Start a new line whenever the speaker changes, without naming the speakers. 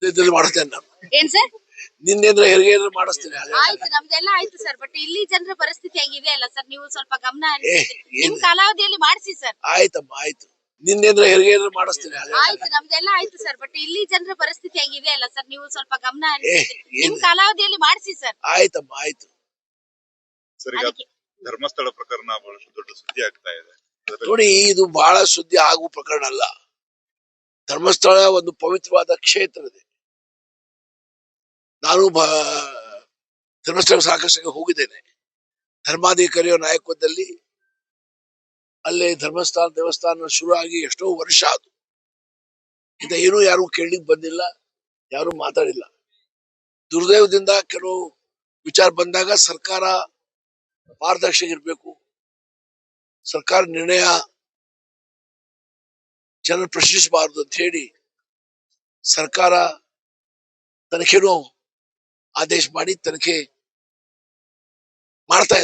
ಇದ್ರಲ್ಲಿ ಮಾಡಿಸ್ತೇನೆ ನಾನು.
ಏನ್ ಸರ್?
ನಿನ್ನೆ ಹೆರಿಗೆ ಮಾಡಿಸ್ತೇನೆ.
ಆಯ್ತು, ನಮ್ದೆಲ್ಲ ಆಯ್ತು ಸರ್. ಬಟ್ ಇಲ್ಲಿ ಜನರ ಪರಿಸ್ಥಿತಿ ಹೆಂಗಿದೆ ಅಲ್ಲ ಸರ್, ನೀವು ಸ್ವಲ್ಪ ಗಮನ
ಏ,
ಹರಿಸಿ. ನಿಮ್
ಏನ್
ಕಾಲಾವಧಿಯಲ್ಲಿ ಮಾಡಿಸಿ ಸರ್.
ಆಯ್ತಮ್ಮ, ಆಯ್ತು. ನಿನ್ನೆ ಹೆರಿಗೆ ಮಾಡಿಸ್ತೇನೆ.
ಆಯ್ತು, ನಮ್ದೆಲ್ಲ ಆಯ್ತು ಸರ್. ಬಟ್ ಇಲ್ಲಿ ಜನರ ಪರಿಸ್ಥಿತಿ ಹೆಂಗಿದೆ ಅಲ್ಲ ಸರ್, ನೀವು ಸ್ವಲ್ಪ ಗಮನ
ಏ,
ಹರಿಸಿ. ನಿಮ್
ಏನ್
ಕಾಲಾವಧಿಯಲ್ಲಿ ಮಾಡಿಸಿ ಸರ್.
ಆಯ್ತಮ್ಮ, ಆಯ್ತು.
ಸರ್, ಈಗ
ಅದಕ್ಕೆ
ಧರ್ಮಸ್ಥಳ ಪ್ರಕರಣ ಬಹಳಷ್ಟು ದೊಡ್ಡ ಸುದ್ದಿ ಆಗ್ತಾ ಇದೆ.
ನೋಡಿ, ಇದು ಬಹಳ ಸುದ್ದಿ ಆಗುವ ಪ್ರಕರಣ ಅಲ್ಲ. ಧರ್ಮಸ್ಥಳ ಒಂದು ಪವಿತ್ರವಾದ ಕ್ಷೇತ್ರ ಇದೆ. ನಾನು ಧರ್ಮಸ್ಥಳ ಸಾಕಷ್ಟು ಹೋಗಿದ್ದೇನೆ. ಧರ್ಮಾಧಿಕಾರಿಯ ನಾಯಕತ್ವದಲ್ಲಿ ಅಲ್ಲಿ ಧರ್ಮಸ್ಥಳ ದೇವಸ್ಥಾನ ಶುರು ಆಗಿ ಎಷ್ಟೋ ವರ್ಷ ಆಯ್ತು. ಇಂದ ಏನೂ ಯಾರು ಕೇಳಲಿಕ್ಕೆ ಬಂದಿಲ್ಲ, ಯಾರು ಮಾತಾಡಿಲ್ಲ. ದುರ್ದೈವದಿಂದ ಕೆಲವು ವಿಚಾರ ಬಂದಾಗ ಸರ್ಕಾರ ಪಾರದರ್ಶಕ ಇರಬೇಕು, ಸರ್ಕಾರ ನಿರ್ಣಯ ಜನರು ಪ್ರಶ್ನಿಸಬಾರದು ಅಂತ ಹೇಳಿ ಸರ್ಕಾರ ತನಿಖೆನೂ ಆದೇಶ ಮಾಡಿ ತನಿಖೆ ಮಾಡ್ತಾ ಇದೆ.